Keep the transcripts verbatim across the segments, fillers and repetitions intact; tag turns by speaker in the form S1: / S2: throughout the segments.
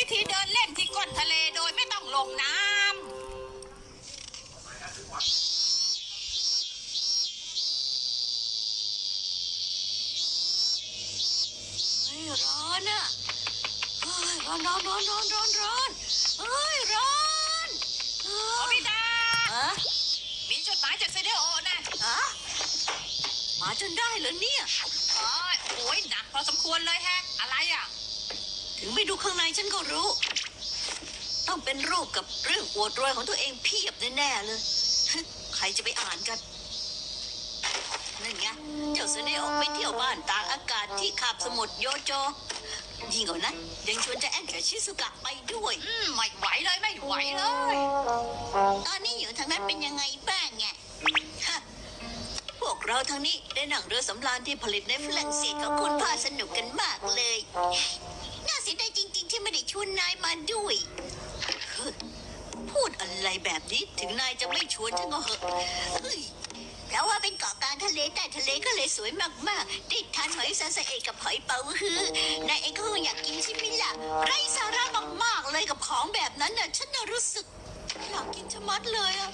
S1: ธีเดินเล่นที่ก้นทะเลโดยไม่ต้องลงน้ำเฮ้ยร้อนอะเฮ้ยร้อนร้อนร้อนร้อนร้อนร้อนเฮ้ยร้อนโอบิดาอะมีจดหมายจากเซเดโอนะอะมาจนได้เหรอเนี่ยอ๋อโอ้ยหนักพอสมควรเลยแฮะอะไรอ่ะถึงไม่ดูข้างในฉันก็รู้ต้องเป็นรูปกับเรื่องอวดรวยของตัวเองเพียบแน่ๆเลยใครจะไปอ่านกันนั่นไงเจ้าเสน่ห์ออกไปเที่ยวบ้านต่างอากาศที่คาบสมุทรโยโจยิ่งกว่านั้นยังชวนจะแอนกับชิซุกะไปด้วยอืมไม่ไหวเลยไม่ไหวเลยตอนนี้อยู่ทางนั้นเป็นยังไงบ้างไงพวกเราทางนี้ได้นั่งเรือสำราญที่ผลิตในฝรั่งเศสของคุณพ่อสนุกกันมากเลยน่าเสียดายจริงๆที่ไม่ได้ชวนนายมาด้วยพูดอะไรแบบนี้ถึงนายจะไม่ชวนฉันก็เหอะเพราะว่าเป็นเกาะกลางทะเลใต้ทะเลก็เลยสวยมากๆได้ทานหอยซาซาเอะกับหอยเป๋าฮื้อนายเองก็อยากกินใช่ไหมล่ะไร้สาระมากๆเลยกับของแบบนั้นน่ะฉันน่ะรู้สึกอยากกินชะมัดเลยอะ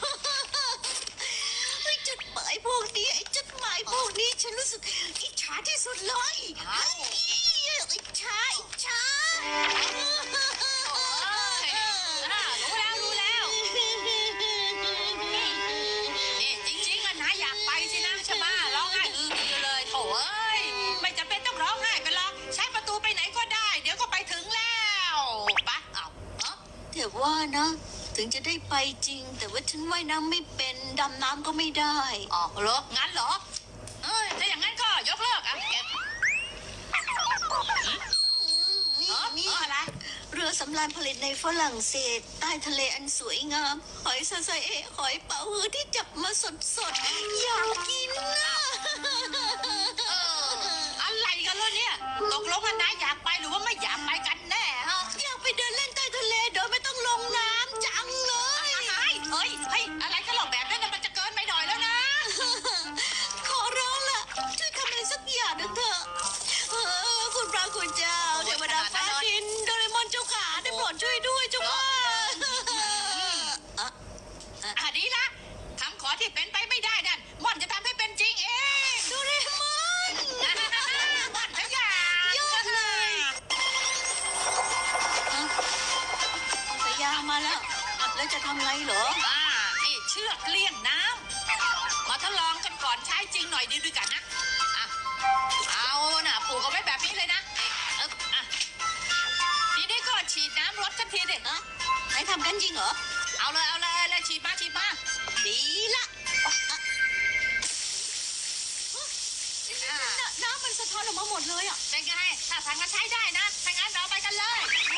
S1: ไอ้จดหมายพวกนี้ไอ้จดหมายพวกนี้ฉันรู้สึกอิจฉาที่สุดเลยอิจฉาอิจฉารู้แล้วรู้แล้วนี่จริงๆอะนะอยากไปสินะใช่ไหมร้องไห้อืออือเลยโถ่เอ้ยไม่จำเป็นต้องร้องไห้กันหรอกใช้ประตูไปไหนก็ได้เดี๋ยวก็ไปถึงแล้วปะเอาเนาะแต่ว่านะถึงจะได้ไปจริงแต่ว่าฉันว่ายน้ำไม่เป็นดำน้ำก็ไม่ได้อ๋อเหรองั้นเหรอเออถ้าอย่างนั้นก็ยกเลิกอ่ะเก็บนี่อะไรเรือสำราญผลิตในฝรั่งเศสใต้ทะเลอันสวยงามหอยซาซาเอะหอยเป๋าฮื้อที่จับมาสดๆอยากกินนะอะไรกันล่ะเนี่ยตกลงกันนะอยากไปหรือว่าไม่อยากไปกันแน่ฮะอยากไปเดินเล่นใต้ทะเลโดยไม่ต้องลงน้ำจังเลยเฮ้ยเฮ้ยอะไรกันหรอแบบนั้นมันจะเกินไปหน่อยแล้วนะขอร้องล่ะช่วยทำอะไรสักอย่างนึงเถอะคุณพระคุณเจ้าเทวดาฟ้าดินโดเรมอนเจ้าขาได้โปรดช่วยด้วยเจ้าค่ะอ่ะดีละคำขอที่เป็นไปไม่ได้นั่นม่อนจะทำให้เป็นจริงเองโดเรมอนม่อนขยันยอดเลยพยามาแล้วแล้วจะทำไงเหรออ่านี่เชือกเลี่ยงน้ำมาทดลองกันก่อนใช้จริงหน่อยดีด้วยกันนะอ่ะเอาน่ะผูกเอาไว้แบบนี้เลยนะเอ๊ะอ่ะทีนี้ก็ฉีดน้ำรดกันทีเด็ดนะให้ทำกันจริงเหรอเอาเลยเอาเลยเลยฉีดมาฉีดมาดีละน้ำมันสะท้อนออกมาหมดเลยอ่ะเป็นไงถ้าทางกันใช้ได้นะถ้างั้นเราไปกันเลย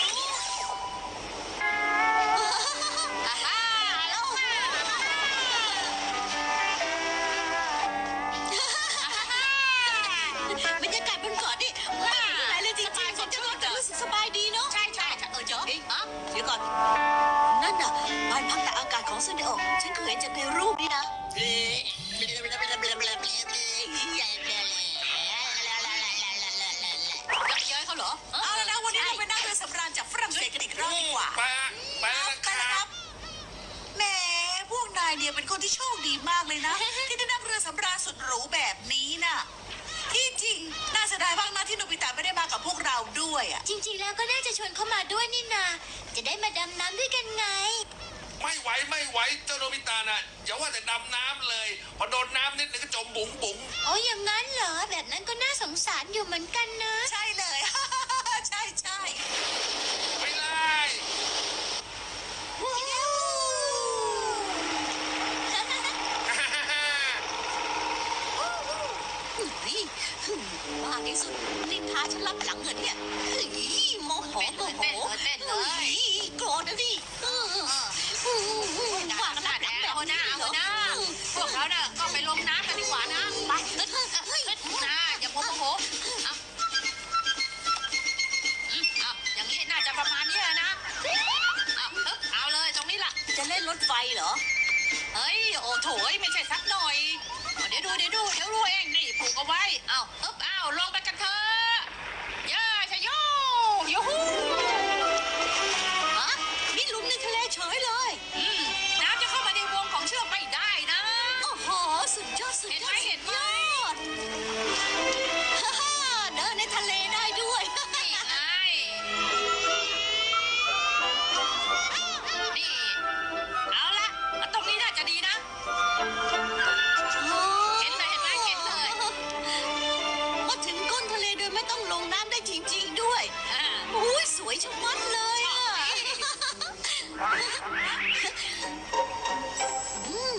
S1: บรรยากาศบนเกาะนี่ไม่มีอะไรเลยจริงๆผมจะรู้สึกสบายดีเนาะใช่ใช่เออเจอเดี๋ยวก่อนนั่นน่ะบ้านพักตากอากาศของเซนเดโอฉันเคยเห็นจากในรูปนี่นะเย้ยเขาเหรอเอาแล้วนะวันนี้เราไปนั่งเรือสำราญจากฝรั่งเศสกันอีกรอบดีกว่า
S2: ไปไปนะครับ
S1: แหมพวกนายเนี่ยเป็นคนที่โชคดีมากเลยนะที่ได้นั่งเรือสำราญสุดหรูแบบนี้น่ะที่จริงน่าเสียดายมากนะที่โนบิตะไม่ได้มากับพวกเราด้วยอ่ะ
S3: จริงๆแล้วก็น่าจะชวนเขามาด้วยนี่นาจะได้มาดำน้ำด้วยกันไง
S2: ไม่ไหวไม่ไหวเจ้าโนบิตะน่ะอย่าว่าแต่ดำน้ำเลยพอโดนน้ำนิดนึงก็จมบุ๋งบุ๋ง
S3: โอ้อย่างนั้นเหรอแบบนั้นก็น่าสงสารอยู่เหมือนกันนะ
S1: ใช่เลย ใช่ใช่
S2: ไม่ได้
S1: มากที่สุดนี่พาฉันรับหลังเหรอเนี่ยโมโหโมโหเลยโกรธนะดิว่ากันแบบแบบเอาหน้าเอาหน้าพวกเราเนี่ยก็ไปลงน้ำกันดีกว่านะไปนะอย่าโมโหเอาเอาอย่างนี้น่าจะประมาณนี้นะเอาเอาเลยตรงนี้ล่ะจะเล่นรถไฟเหรอเฮ้ยโอ้โถไม่ใช่สักหน่อยเดี๋ยวดูเดี๋ยวดูเดี๋ยวรู้เองนี่ผูกเอาไว้เอาเอ๊บเอาลงไปกันเถอะย่าชะโยยูฮูลงน้ำได้จริงๆด้วยโอ้ยสวยชะมัดเลยอ่ะอืม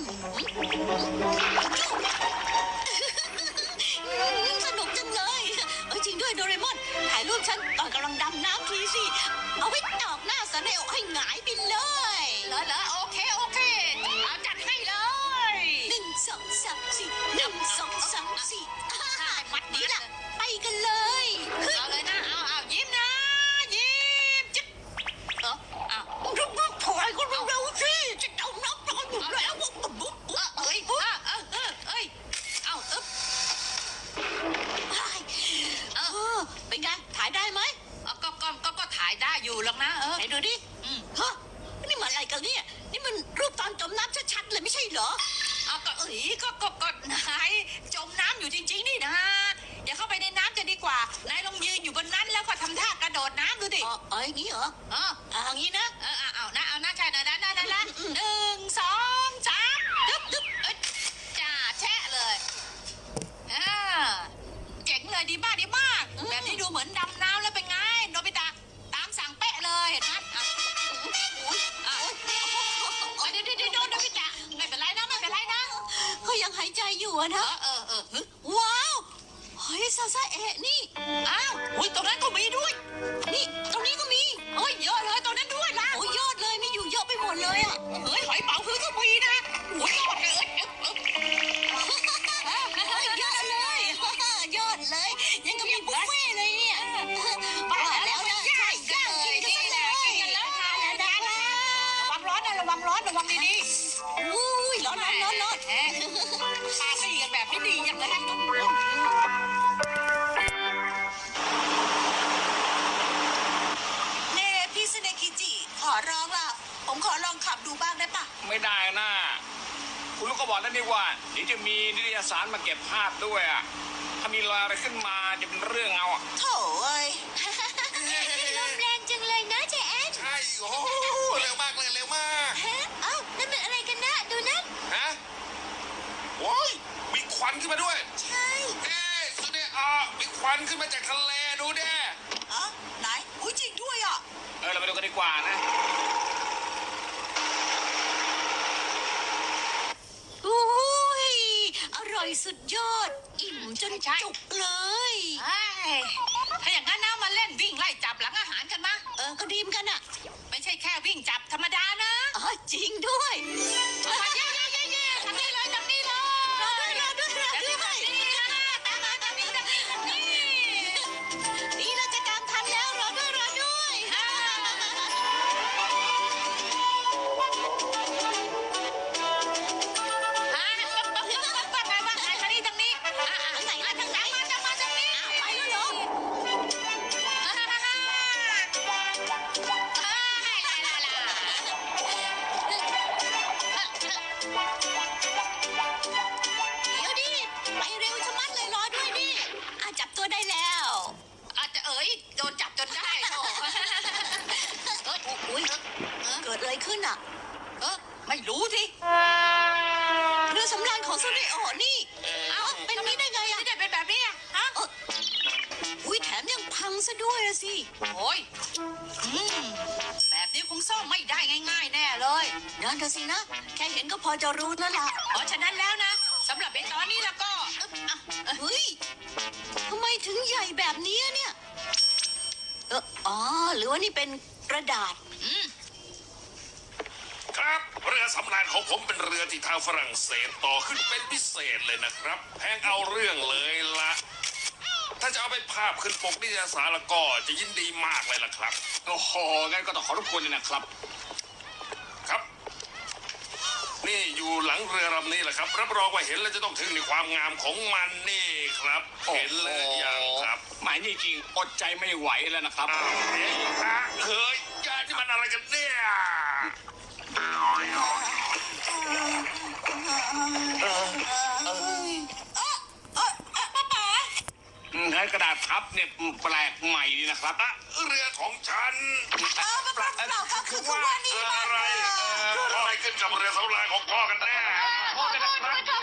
S1: สนุกจังเลยเอ้ยจริงด้วยโดเรมอนถ่ายรูปฉันตอนกำลังดำน้ำทีสิเอาไว้ตอกหน้าซาเนโอให้หงายไปเลยเหรอเหรอโอเคโอเคเอาจัดให้เลยหนึ่งสองสามสี่หนึ่งสองสามสี่มัดนี้ล่ะไปกันเลยเอาเลยนะเอาเอายิ้มนะยิ้มจิ๊บเออเอารุบรุบถอยก็เร็วๆสิจะเอาน้ำร้อนอยู่แล้วบุ๊บบุ๊บบุ๊บเอ้ยเออเออเออเอ้ยเอาอึ๊บเออเป็นไงถ่ายได้ไหมก็ก็ก็ก็ถ่ายได้อยู่หรอกนะเออไหนดูดิฮะนี่มันอะไรกันเนี่ยนี่มันรูปตอนจมน้ำชัดๆเลยไม่ใช่เหรอเอาก็เอ้ยก็ก็ก็นายจมน้ำอยู่จริงๆนี่นะอย่าเข้าไปในน้ำจะดีกว่านายลองยืนอยู่บนนั้นแล้วก็ทำท่ากระโดดน้ำดูดิอ๋ออ๋ออย่างนี้เหรออ๋ออย่างนี้นะเออเอาเอานะเอานะใช่นะนะนะนะหนึ่งสองสามดึ๊บดึ๊บเอ้ยจ่าแช่เลยอ่าเจ๋งเลยดีมากดีมากแบบนี้ดูเหมือนดำน้ำแล้วเป็นไงโนบิตะตามสั่งเป๊ะเลยเห็นไหมอ่ะอุ้ยอ่ะเดี๋ยวเดี๋ยวเดี๋ยวโนบิตะไม่เป็นไรนะไม่เป็นไรนะเขายังหายใจอยู่อะนะเออเออเออว้าวเฮ้ยซาซาเอะนี่อ้าวอุ้ยตรงนั้นก็มีด้วยนี่ตรงนี้ก็มีเฮ้ยเยอะเลยตรงนั้นด้วยนะโอ้ยยอดเลยมีอยู่เยอะไปหมดเลยอะเฮ้ยหอยเป๋าคือก็มีนะโอ้ยยอดเลยเอ๊ะยอดเลยยอดเลยยังก็มีบุฟเฟ่เลยเนี่ยบ้าแล้วนะใช่ย่างกินกันเลยแล้วทานแล้วนะระวังร้อนนะระวังร้อนระวังดีๆอุ้ยร้อนร้อนร้อนร้อนปาซี่กันแบบไม่ดีอย่างเลยเน่พี่สเนกิจิขอร้องล่ะผมขอลองขับดูบ้างได้ปะ
S4: ไม่ได้นะคุณลูกก็บอกแล้วนี่ว่าเดี๋ยวจะมีนิตยสารมาเก็บภาพด้วยอ่ะถ้ามีรอยอะไรขึ้นมาจะเป็นเรื่องเอาอ่ะ
S1: โถ่เอ้ย
S3: ลมแรงจังเลยนะเจแอน
S2: ใช่โอ้โหเร็วมากเลยเร็วมาก
S3: ฮะเอ้านั่นมันอะไรกันนะดูนั่น
S2: ฮะโอ้ยมีควันขึ้นมาด้วย
S3: ใช่
S2: เอ๊ะสุดเนี่ยอ่ะมีควันขึ้นมาจากทะเลดูเด้
S1: อ๋อไหนอุ้ยจริงด้วยอ่ะ
S4: เออเราไปดูกันดีกว่านะ
S1: อุ้ยอร่อยสุดยอด อิ่มจนจุกเลยถ้าอย่างนั้นนะมาเล่นวิ่งไล่จับหลังอาหารกันมาเออก็ดีมกันอ่ะ ไม่ใช่แค่วิ่งจับธรรมดานะอ๋อจริงด้วยเย้เย้เย้เย้ทำนี่เลยทำนี่เลยรอด้วยรอด้วยรอด้วยตามมาตามนี้ตามนี้ตามนี้นี่เราจะตามทันแล้วรอด้วยรอด้วยเกิดอะไรขึ้นอ่ะเออไม่รู้สิเรือสำราญของซูริโอนี่เอ้าเป็นนี้ได้ไงอ่ะไม่ได้เป็นแบบนี้อ่ะฮะอุ้ยแถมยังพังซะด้วยอะสิโอ้ยอืมแบบนี้คงซ่อมไม่ได้ง่ายๆแน่เลยนั่นเถอะสินะแค่เห็นก็พอจะรู้แล้วล่ะเพราะฉะนั้นแล้วนะสำหรับเป็นตอนนี้แล้วก็เฮ้ยทำไมถึงใหญ่แบบนี้เนี่ยเอออ๋อหรือว่านี่เป็นกระดาษอืม
S2: ครับเรือสำราญของผมเป็นเรือที่ทางฝรั่งเศสต่อขึ้นเป็นพิเศษเลยนะครับแพงเอาเรื่องเลยละถ้าจะเอาไปภาพขึ้นปกนิตยสารแล้วก็จะยินดีมากเลยล่ะครับ
S4: โอ้โหงั้นก็ต้องขอรบกวนเลยนะครับ
S2: ครับ นี่อยู่หลังเรือลำนี้แหละครับรับรองว่าเห็นแล้วจะต้องถึงในความงามของมันนี่ครับเห็นเลยอย่างครับ
S4: หมายนี่จริงอดใจไม่ไหวแล้วนะครับ
S2: อ้าวเฮ้ยฮะเฮ้ยยาที่มันอะไรกันเนี่ย
S4: ให้กระดาษพับเนี่ยแปลกใหม่ดีนะครับ
S2: อะเรือของฉัน
S1: เออเปล่าเปล่าก็คือคือว่านี่
S2: เกิด
S1: มัน
S2: อะไรเอออะไรขึ้นกับเรือสำราญของพ่อกันแน่
S4: โทษด้วยนะครับ